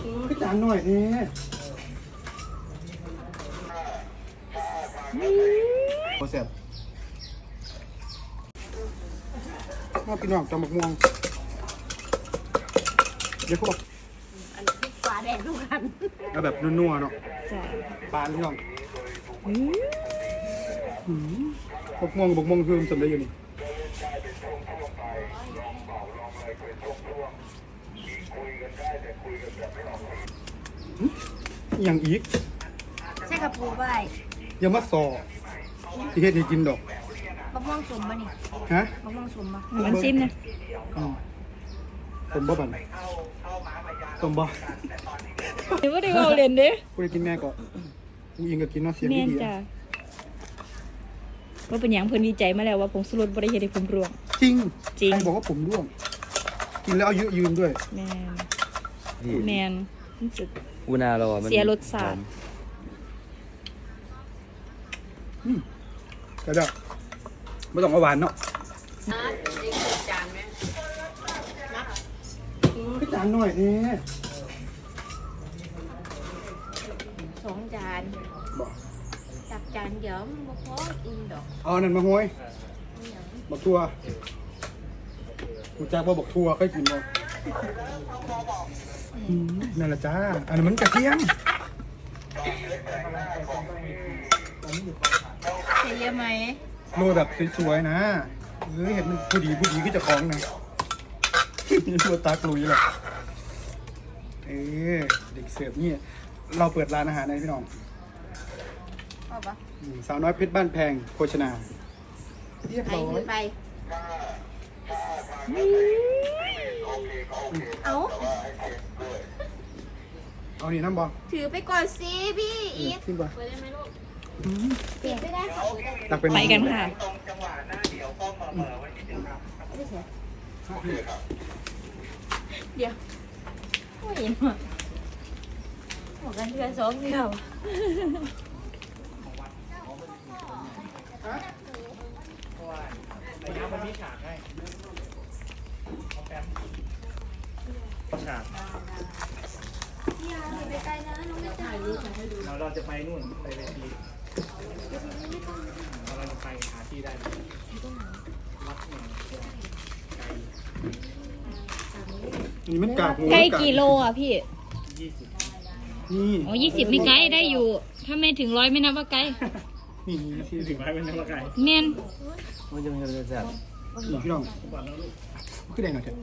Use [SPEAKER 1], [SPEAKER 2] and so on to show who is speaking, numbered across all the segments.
[SPEAKER 1] ก็จานหน่อยนี่โอ้เสียบมาพี่น้องจำบักม่วงเดี๋ยวพวก
[SPEAKER 2] อันนี้ปลาแดงทุกคัน
[SPEAKER 1] เอาแบบนัวๆเนาะ
[SPEAKER 2] จ้ะ
[SPEAKER 1] ปลาพี่น้องบักม่วงคือมันสำเร็จอยู่นี่อย่างอีก
[SPEAKER 2] ใช่กระปูใบ
[SPEAKER 1] อย่ามาสอที่เฮ็ดให้กินดอก
[SPEAKER 2] มะม่วงสมป่ะนี่
[SPEAKER 1] ฮะ
[SPEAKER 2] มะม่วงสมป่ะ
[SPEAKER 3] มันซิมนะ
[SPEAKER 1] ผมบ่บันผมบ่
[SPEAKER 3] เดี๋ยวว่าได้เอาเล่นเด้
[SPEAKER 1] กูได้กินแม่ก็กูยิงก็กินเนาะเสียง
[SPEAKER 3] แม่น
[SPEAKER 1] ดี
[SPEAKER 3] จ้ะว่าเป็นหยังเพิ่นวิจัยมาแล้วว่าผงชูรสบ่ได้เฮ็ดให้ผมร่วง
[SPEAKER 1] จริง
[SPEAKER 3] จริง
[SPEAKER 1] ใครบอกว่าผมร่วง กินแล้วเอาเยอะยืนด้วย
[SPEAKER 3] แม่น
[SPEAKER 4] นี่
[SPEAKER 3] แม่นรู้สึก
[SPEAKER 4] อูนาเราอะมัน
[SPEAKER 3] เสียรสชาติ
[SPEAKER 1] ก็ได้ไม่ต้องเอาหวานเนาะก็จานหน่อยนี่
[SPEAKER 2] 2 จาน
[SPEAKER 1] บอก
[SPEAKER 2] จับจานเดี๋ยวมันบ่พออิ่มดอก
[SPEAKER 1] เอานั่นมาห้อยบักทัวกูจากว่าบักทัวเคยกินบ่นั่นแหละจ้าอันนั้นมันกระเทียม
[SPEAKER 2] ใส่เยอะไหม
[SPEAKER 1] โรยแบบสวยๆนะเห็นมันผู้ดีก็จะคล้องนะตัวตากลุยแหละเด็กเสิร์ฟนี่เราเปิดร้านอาหารในพี่น้อง
[SPEAKER 2] เอาปะ
[SPEAKER 1] สาวน้อยเพชรบ้านแพงโภชนาเรียบ
[SPEAKER 2] ไป
[SPEAKER 1] ร้อ
[SPEAKER 2] ขึ้
[SPEAKER 1] ย
[SPEAKER 2] นไปเอา
[SPEAKER 1] เอานี่น้ำบอล
[SPEAKER 2] ถือไปก่อนสิพี่อีท
[SPEAKER 1] ขึ้นบอล
[SPEAKER 2] เปลี่ยนไม่ได้ค่ะ
[SPEAKER 1] ตักเป็น
[SPEAKER 3] ไปกันค่ะ
[SPEAKER 2] เดี๋ยวโอ้ยมาบอกกันเดือน2 เดือน
[SPEAKER 5] ฉากเราจะไปนู่นไปเวทีเราจะไปหาที่ได้ไหมวัดหนึ่งไกล
[SPEAKER 1] นี่มันกากหมู
[SPEAKER 3] ไก่กี่โลอ่ะพี่
[SPEAKER 5] 20
[SPEAKER 1] นี่
[SPEAKER 3] อ๋อ20ไม่ไกลได้อยู่ ถ้าไม่ถึง100ไม่นับว่าไกล
[SPEAKER 1] นี่ที่
[SPEAKER 5] ถึงไว้เป็นนักว่าไกล
[SPEAKER 3] แม่น
[SPEAKER 4] มันจะมีรสชาติ
[SPEAKER 1] นี่พี่น้อง
[SPEAKER 5] ก่อนแล้วลูก
[SPEAKER 1] ขึ้นได้หน่อยเถอะ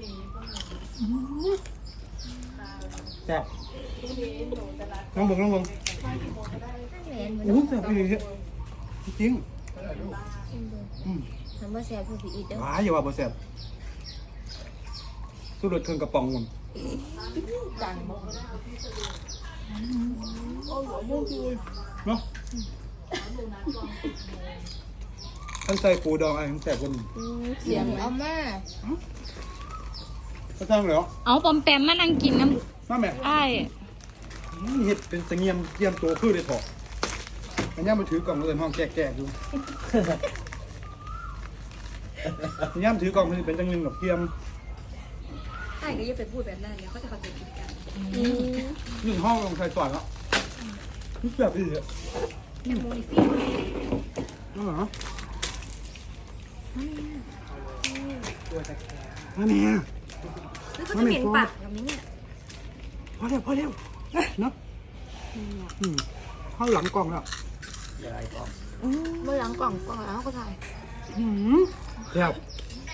[SPEAKER 1] แซ่บลองบงโอ้โหแซ่บเลยจริง
[SPEAKER 2] ทำมาแซ่บเพื่อพี่อีทเด้อ
[SPEAKER 1] ว้ายอย่าว่าบ่แซ่บสู้รถเครื่องกระป๋องมัน
[SPEAKER 2] ดังบ่
[SPEAKER 1] เนาะท่านใส่ปูดองอะไรทั้งแซ่บกว่านี้
[SPEAKER 2] เสียงเอามา
[SPEAKER 1] ก็สร้างแล้ว
[SPEAKER 3] เอาปอมแปมมานั่งกินน้
[SPEAKER 1] มาแม่
[SPEAKER 3] ำอ้าย
[SPEAKER 1] เห็ดเป็นเสงียมเยี่ยมตัวคือได้ถอดอันนี้มันถือกล่องเลยห้องแก่ๆดูอันนี้มันถือกล่องมันเป็นจังเงินแบบเยี่ยม
[SPEAKER 6] ใช่ก็อย่าไปพูดแบบนั้นเดี๋ยวเขาจะเข้าใจผิดกัน
[SPEAKER 1] หนึ่งห้องลงใส่สอนแล้วแบบนี้อ่ะ
[SPEAKER 6] แตงโมนี่ฟิ
[SPEAKER 1] อ๋อเหรอมาแม่
[SPEAKER 6] หรือเขาจะเหม็นปากแบบนี้เนี่ย
[SPEAKER 1] พอเร็วเนาะเข้าหลังกล่องแล้ว
[SPEAKER 2] เมื่อหลังกล่องแล้วก็ถ่าย
[SPEAKER 1] แบบ